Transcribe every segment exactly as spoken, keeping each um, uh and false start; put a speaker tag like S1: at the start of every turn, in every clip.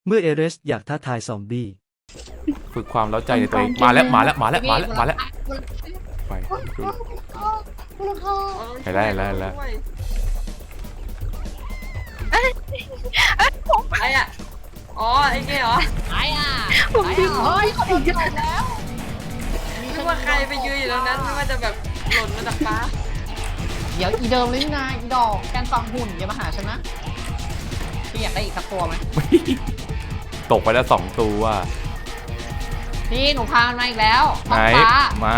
S1: เมื่อเอเรสอยากท้าทายซอมบี้
S2: ฝึกความเล้าใจในตัวเองมาแล้วมาแล้วมาแล้วมาแล้วมาแล้วไปไปได้แล้วแล้ว
S3: ไอ้อะอ๋อไอ้เงี้ยเหรอไอ้อะไอ้อะเฮ้ยเขาโดนจบแล้วนึกว่าใครไปยืนอยู่ตรงนั้นนึกว่าจะแบบหล่นมาจากฟ้า
S4: เดี๋ยวอีเดิมเลยนี่นาอีดอกแกนฟังหุ่นอย่ามาหาฉันนะพี่อยากได้อีกสักตัวไหม
S2: ตกไปแล้วสองตัว
S4: พี่หนูพามันมาอีกแล้ว
S2: ไหน
S4: ฟ้า
S2: มา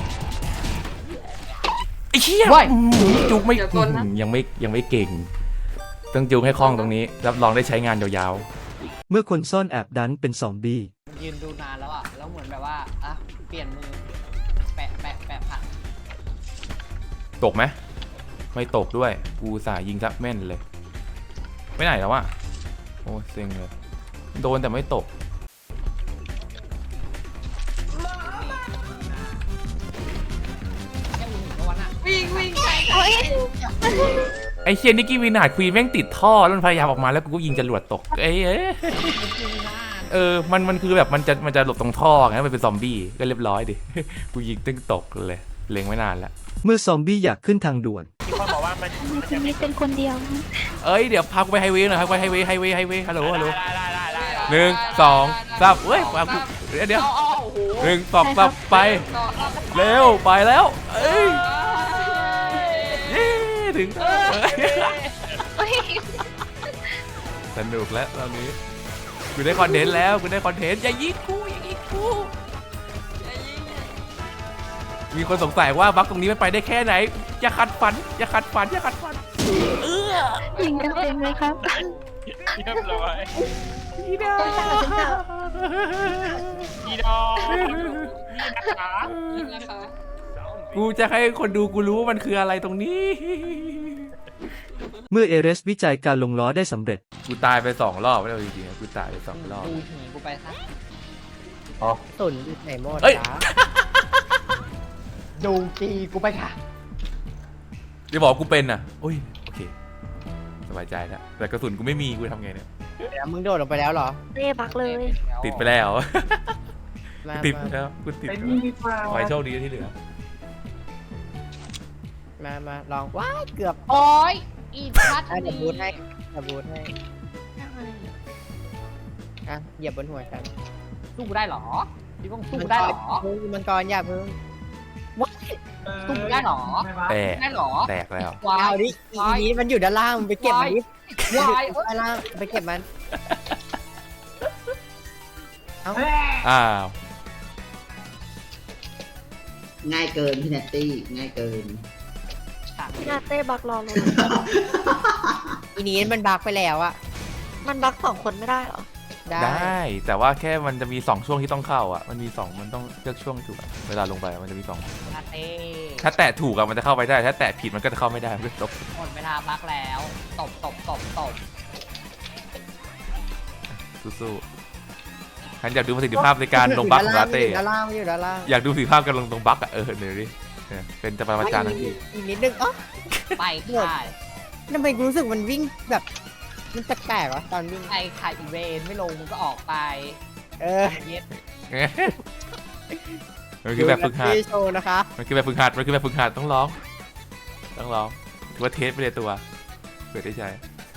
S2: ไอ้เหี้ยจุกไม่ยังไม่ยังไม่เก่งต้องจุกให้คล่องตรงนี้รับรองได้ใช้งานยาว
S1: เมื่อคนซ่อนแอบดันเป็นซอมบี้
S4: ยืนดูนานแล้วอ่ะแล้วเหมือนแบบว่าอ่ะเปลี่ยนมือแปะแปะแปะผัก
S2: ๆตกไหมไม่ตกด้วยกูสายยิงซับแม่นเลยไม่ไหนแล้วอะโอ้เซ็งเลยโดนแต่ไม่ตก
S3: วิ่งวิ่งใส่
S2: ไอเชียนิกกี้วินาดควีนแม่งติดท่อแล้วมันพยายามออกมาแล้วกูก็ยิงจรวดตกเอ้ยเออมันมันคือแบบมันจะมันจะหลบตรงท่อไงมันเป็นซอมบี้ก็เรียบร้อยดิกูยิงตึ้งตกเลยเล็งไม่นานแล้ว
S1: เมื่อซอมบี้อยากขึ้นทางด่วน
S5: มีคนบอกว่ามัน
S6: จะไม่เป็นคนเดียว
S2: เอ้ยเดี๋ยวพากูไปไฮเวย์หน่อยครับไปไฮเวย์ไฮเวย์ไฮเวย์ฮัลโหลฮัลโหล
S5: ได้ได้ได้ได้
S2: หนึ่งสองสามเอ้ยพากูเดี๋ยวเดี๋ยวหนึ่งสองสามไปเร็วไปแล้วเอ้ยเย้ถึงสนุกแล้วตอนนี้กูได้คอนเทนต์แล้วกูได้คอนเทนต์อย่ายิงกูอย่ายิงกูมีคนสงสัยว่าบั๊กตรงนี้มันไปได้แค่ไหนอย่าขัดฝันอย่าขัดฝันอย่าขัดฝันเออ
S6: ยิงกันเต็มเลยครับ
S5: เรียบร้อย
S2: อีดา
S5: อีดอกนี่นะคะ
S3: นะคะ
S2: กูจะให้คนดูกูรู้ว่ามันคืออะไรตรงนี้
S1: เมื่อเอเรสวิจัยการลงล้อได้สำเร็จ
S2: กูตายไปสองรอบแล้วจริงๆกูตายไปสองรอบ
S4: ดูหีกูไปซะ
S2: อ๋อ
S4: ตุ่นไหนหมด
S2: เอ้ย
S4: ดูกีกูไปค่ะ
S2: เดี๋ยวบอกกูเป็นอ่ะโอ้ยโอเคสบายใจแล้วแต่กระสุนกูไม่มีกูทำไงเนี่ย
S4: เดี๋ยวมึงโดดลงไปแล้วเหรอ
S6: เร่บักเลย
S2: ติดไปแล้ว
S4: มา
S2: ติดไปแล้วกูติดไปแล้วขอให้โชคดีที่เหลือ
S4: มามาลองว้ายเกือบโอ้ยอีพัดเดี๋ยวบูทให้เดี๋ยวบูทให้อ่ะเหยียบบนหัวฉันสู้ได้หรอพี่ต้องสู้ได้หรอมังกรอย่าเพิ่งว้ายสู้ได้หรอ
S2: แตก
S4: ได้หรอ
S2: แตกแล้ว
S4: วายดิอีนี้มันอยู่ด้านล่างมันไปเก็บมันดิวายด้านล่างไปเก็บมันเอ้า
S2: อ้าว
S7: ง่ายเกินพี่เนตตี้ง่ายเกิน
S6: พี่นาเต้บักรอเลย
S4: อีนี้มันบักไปแล้วอะ
S6: มันบักสองคนไม่ได้เหรอ
S4: ได้
S2: ได้แต่ว่าแค่มันจะมีสองช่วงที่ต้องเข้าอ่ะมันมีสองมันต้องเลือกช่วงถูกอะเวลาลงไปมันจะมีสอง
S4: ลาเต้
S2: ถ้าแตะถูกอะมันจะเข้าไปได้ถ้าแตะผิดมันก็จะเข้าไม่ได้มันก็จบ
S4: หมดเวลาบักแล้วตบตบตบตบ
S2: สู้ๆฉันอยากดูประสิทธิภาพในการลงบัคของลาเต้
S4: ด้านล่างมันอยู่ด้านล่าง
S2: อยากดูประสิทธิภาพการลงตรงบัคอะเออเดี๋ยวดิเนี่ยเป็นจะประจานทั้งที
S4: อีกนิดนึงอ๋อไปค่ะทำไมกูรู้สึกมันวิ่งแบบมันแปลกๆวะตอนวิ่งไอ้ขาอีเวนไม่ลงมันก็ออกไป เออเย็ด
S2: มันคือแบบฝึกหัด
S4: โชว์นะคะ
S2: มันคือแบบฝึกหัดมันคือแบบฝึกหัดต้องร้องต้องร้องถือว่าเทสไปเลยตัวเกิดได้ใจ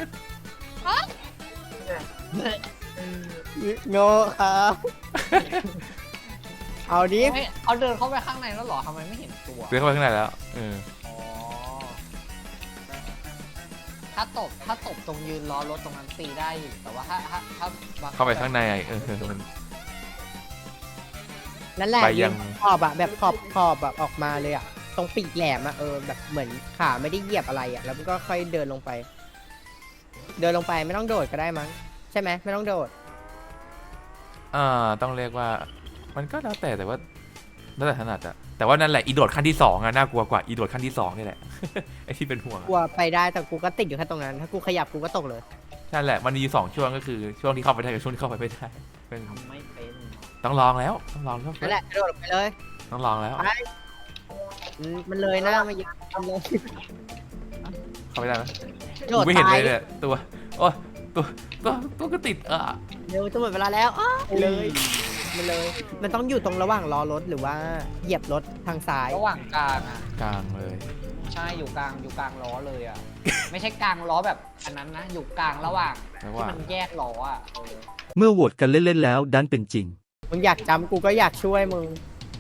S4: โง่ครับเอาดิเอาเดินเข้าไปข้างในแล้วหรอทำไมไม่เห็นตัว
S2: เดินเข้าไปข้างในแล้วเออ
S4: อ๋อถ้าตบถ้าตบตรงยืนล้อรถตรงนั้นตีได้อยู่แต่ว่าถ้าถ้าถ้า
S2: เข้าไปข้างในเออมัน
S4: นั่นแหละ
S2: ไปยัง
S4: ขอบอะแบบขอบขอบแบบออกมาเลยอะตรงปีกแหลมอะเออแบบเหมือนขาไม่ได้เหยียบอะไรอะแล้วมันก็ค่อยเดินลงไป เดินลงไปไม่ต้องโดดก็ได้มั้งใช่ไหมไม่ต้องโดด
S2: อ่าต้องเรียกว่ามันก็แล้วแต่แต่ว่าแล้วแต่ถนัดอะแต่ว่านั่นแหละอีโดดขั้นที่สองอะน่ากลัวกว่าอีโดดขั้นที่สองนี่แหละ ไอที่เป็นห่วง
S4: กลัวไปได้แต่กูก็ติดอยู่แค่ตรงนั้นถ้ากูขยับกูก็ตกเลย
S2: นั่นแหละมันมีสองช่วงก็คือช่วงที่เข้าไปได้กับช่วงที่เข้าไปไม่ได้เป็น
S4: ทำไม่เป็น
S2: ต้องลองแล้วต้องลองแล้ว
S4: นั่นแหละกระโดดลงไปเลย
S2: ต้องลองแล้ว
S4: ไปอืมมันเลยนะมาเยอะทำเลย
S2: เข้าไปได้ไหม
S4: โดด
S2: กูไม่เห็น
S4: ตา
S2: เลย ยเนี่ยตัวโอ้ตัวตัวตัวก็ติดอ่ะ
S4: เร็วจะหมดเวลาแล้วอ้าวเลยมันเลย มันต้องอยู่ตรงระหว่างล้อรถหรือว่าเหยียบรถทางซ้าย
S8: ระหว่างกลางอ่ะ
S2: กลางเลย
S8: ใช่อยู่กลางอยู่กลางล้อเลยอ่ะ ไม่ใช่กลางล้อแบบอันนั้นนะ อยู่กลางระหว่าง
S2: ระห
S8: ที่
S2: ว่าง
S8: มันแยกล้ออ่ะเออ
S1: เมื่อโหวตกันเล่นๆแล้วดันเป็นจริง
S4: มึงอยากจำกูก็อยากช่วยมึง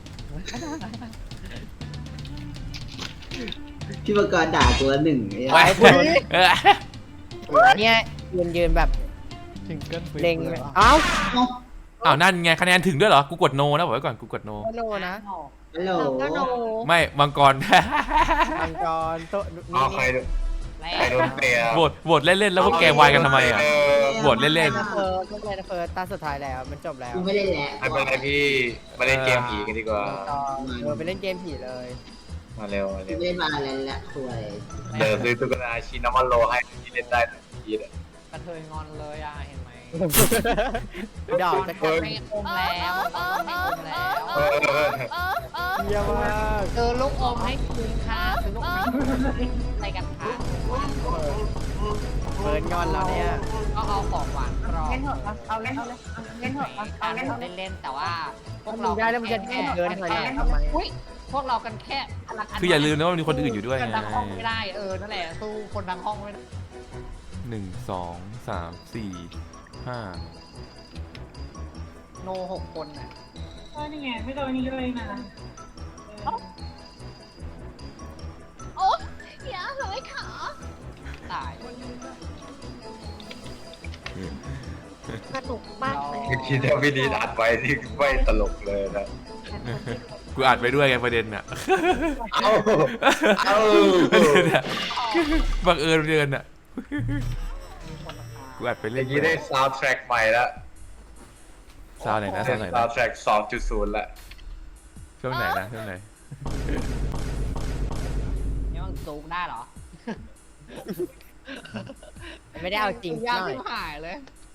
S7: พี่มังกรด่าตัวหนึ่งไอ้
S2: ไว้
S7: เหี้ย
S2: เออ
S4: เนี่ยยืนยืนแบบเล็งเลยเอ้า
S2: อ้าวนั่นไงคะแนนถึงด้วยเหรอ กูกดโนนะบอกไว้ก่อน กูกดโน
S4: โนนะ
S7: ฮัลโหล
S6: ก็โน
S2: ไม่มังกร
S4: มังกรโตะนี่
S9: เอาใคร
S4: นี่
S9: โดนใครโดนเตะ
S2: โหวตโหวตเล่นๆแล้วพวกแกวายกันทำไมอ่ะ โหวตเล่น
S4: เล่นนะเฟิร์สเล่นนะเฟิร์สตาสุดท้ายแล้วมันจบแล้ว
S7: กูไม่ได้แหละ
S9: ไม่เป็นไรพี่มาเล่นเกมผีกันดีกว่า
S4: ต่อเออไปเล่นเกมผีเลย
S9: มาเร็วมา
S7: กู
S9: เร็ว
S7: ไม่ได้มาแล้วแหละคุย
S9: เดินซื้อตุ๊กตาชินามันโลให้ที่เล่นได้ทันทีเลย
S8: กระเทยงอนเลยอ่ะเห็นไหม
S4: ดอกจะ
S8: มั
S4: เกิ
S8: น
S4: น
S8: ไม่อมแล้วมันไม่อมแล้ว
S9: เออ
S4: เยี่ยมมาก
S8: ซื้อลูกอมให้คุณค่ะซื้อลูกอมอะไรกันคะ
S4: เฟิร์สงอนแล้วเนี่ย
S8: ก็เอาของหวานกรอบ
S6: เล่นเถอะเอาเล่นเอาเล่นเล่นเถอะเอาเล่นเถอะ
S8: เล่นๆแต่ว่าพวก
S4: มึ
S8: เรา
S4: งได้แล้วมึงจะเดินถอยหลังทำไม
S8: อุ้ยพวกเรากันแค่
S2: ๆ คืออย่าลืมนะว่ามีคนอื่นอยู่ด้วย
S8: กัน
S2: ไง
S8: ทั้งห้องไม่ได้เออนั่นแหละสู้คนทั้งห้องไม่ได้
S2: หนึ่งสองสามสี่ห้า
S8: โนหกคนน่ะ
S6: นี่ไงไม่โดนนี่เลยนะ
S3: อย่าเลยขา
S8: ตาย
S6: สนุกมากเลย
S9: คิดว่าพี่ดีอัดไว้ที่ไม่ตลกเลยนะ
S2: กูอัดไปด้วยไงประเด็นอ่ะ
S9: เอาเอา
S2: ประเด็นอ่ะบังเอิญเดือนอ่ะ กูอัดไป
S9: อ
S2: เล่น
S9: ย่างนี้ได้ซาวด์แทร็กใหม่แล้ว
S2: ซาวไหนนะ
S9: ได้
S2: ซาวไหน
S9: ซา
S2: นะ
S9: วด์แทร็ก สองจุดศูนย์ ละ
S2: ช่วงไหนนะช่วงไหน
S8: นี่มันซูกได้เหรอ
S4: ไม่ได้เอาจริง
S8: ยาก
S4: หน่อย
S8: ที่หายเลย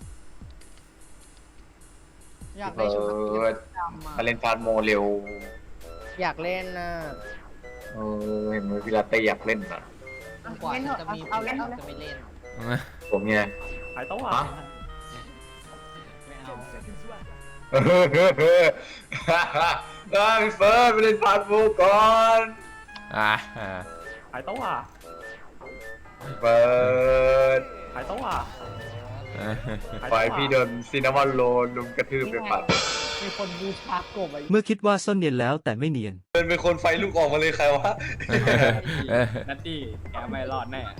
S8: อยาก
S9: เอ
S8: ได้ชุด
S9: อ
S8: ดำ
S9: มา
S8: อ่ะ
S9: เล่นพาร์ทโมเร็ว
S4: อยากเล่นนะ
S9: เออเห็นไหมพี่ลาเต้อยากเล่นนะ
S8: กว่าจะมีเอาเล่นจะไม่เล่น
S9: ผมไง
S5: หายตัว
S9: ฮะ
S8: ไม่เอา
S9: เออเออเออได้พี่เฟิร์สไปเล่นพาร์ทโมก่อน
S2: อ่าอ่า
S5: หายตัว
S9: เฟิร์ส
S5: หายตัว
S9: ไฟพี่โดนซินนามอนโรลลุมกระทืบไปปัด
S8: มีคนบูชากบอ่ะ
S1: เมื่อคิดว่าซ่อนเนียนแล้วแต่ไม่เนียน
S9: เดินเป็นคนไฟลูกออกมาเลยใครวะ
S5: นัตตี้แกไม่รอดแน่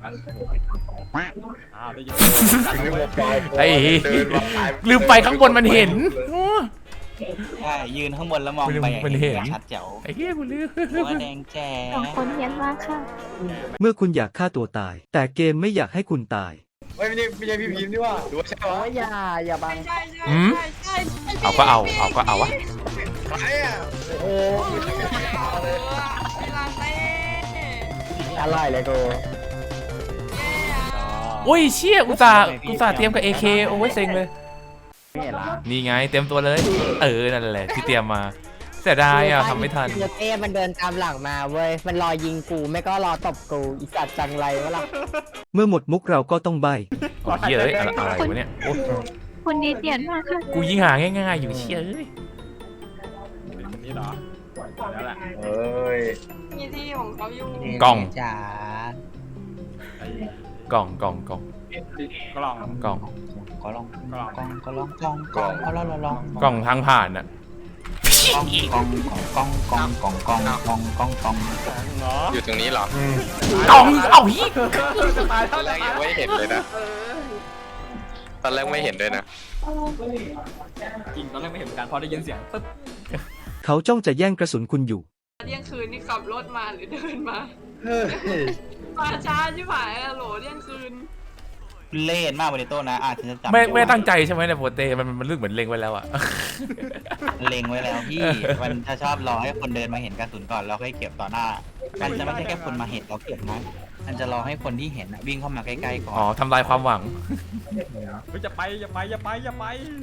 S5: อ้าวได้ยิน
S2: ไอ้ลืมไปข้างบนมันเห็น
S10: ใช่ยืนข้างบนแล้วมองไป
S2: มันเห็น
S10: ชัดแจ๋ว
S2: ไอ้เหี้ยกูลืม
S10: หัวแดงแจ๋
S6: สองคนเฮียนมากค่ะ
S1: เมื่อคุณอยากฆ่าตัวตาย แต่เกมไม่อยากให้คุณตาย
S9: ไม่ไม่ใช่ไม่ใช่พี่พิมพ์นี่ว่าหรือว่าใช่วะ
S4: โอ้ยอย่าอย่าบัง
S3: ใช่ใช่
S2: หืม
S3: ใช่ใช่
S2: เอาก็เอา เอาก็เอาวะ
S9: ใครอ่ะ
S4: โอ้
S3: เออเวลาเต้
S4: อร่อยเลยกู
S3: แย่อะ
S2: โอ้ยเชี่ยอุตส่าห์อุตส่าห์เตรียมกับ เอ เค โอ้ยเซ็งเลย นี่ไงเตรียมตัวเลย เออ นั่นแหละที่เตรียมมาเสียดายอ่ะทำไม่ทัน
S4: เดี๋ยวเต้มันเดินตามหลังมาเว้ย มันรอยิงกูไม่ก็รอตบกูอีสัตว์จังไรวะล่ะ
S1: เมื่อหมดมุกเราก็ต้องใบ
S2: โอ้ยเหี้ยเอ้ยอะไรอะไรวะเนี่ยโอ้
S6: คนนี้เตียนมากค่ะ
S2: กูยิงหาง่ายๆอยู่เชี่ยเอ้ย
S5: นี่เหรอแล้วแหละ
S9: เอ้ย
S3: มีที่ของเขาอยู่
S2: กล่อง
S10: จ๋าก
S2: ล่องกล่องกล่อง
S5: กล่อง
S2: กล่อง
S10: ก็ลอง
S5: กล่อง
S10: กองก็ลองกองกองก็ลองลอง
S2: กล่องทางผ่านอ่ะ
S10: กองกองกองกองกองกองกองกองกอง
S9: อยู่ตรงนี้เหรอ
S2: กล่องเอ้าฮี
S9: ตอนแรกยังไม่เห็นเลยนะตอนแรกไม่เห็นด้วยนะ
S5: จริงตอนแรกไม่เห็นเหมือนกันพอได้ยินเสียงปึ๊บ
S1: เขาจ้องจะแย่งกระสุนคุณอยู่
S3: เที่ยงคืนนี่ขับรถมาหรือเดินมามาช้าใช่ไหมอะโหลเที่ยงคืน
S10: เล่นมากบริโต้นะอาจจะจำ
S2: ไม่ไม่ตั้งใจใช่ไหมเนี่ยโปรเตมันมันเรื่องเหมือนเล็งไว้แล้วอ่ะ
S10: เล็งไว้แล้วพี่ มันจะชอบรอให้คนเดินมาเห็นกระสุนก่อนแล้วค่อยเก็บต่อหน้า มันจะไม่ใช่แค่คนมาเห็นเราเก็บนะมันจะรอให้คนที่เห็นวิ่งเข้ามาใกล้ๆก่อน
S2: อ๋อทำลายความหวัง
S5: เฮ้ยจะไปอย่าไปอย่าไปอย่าไป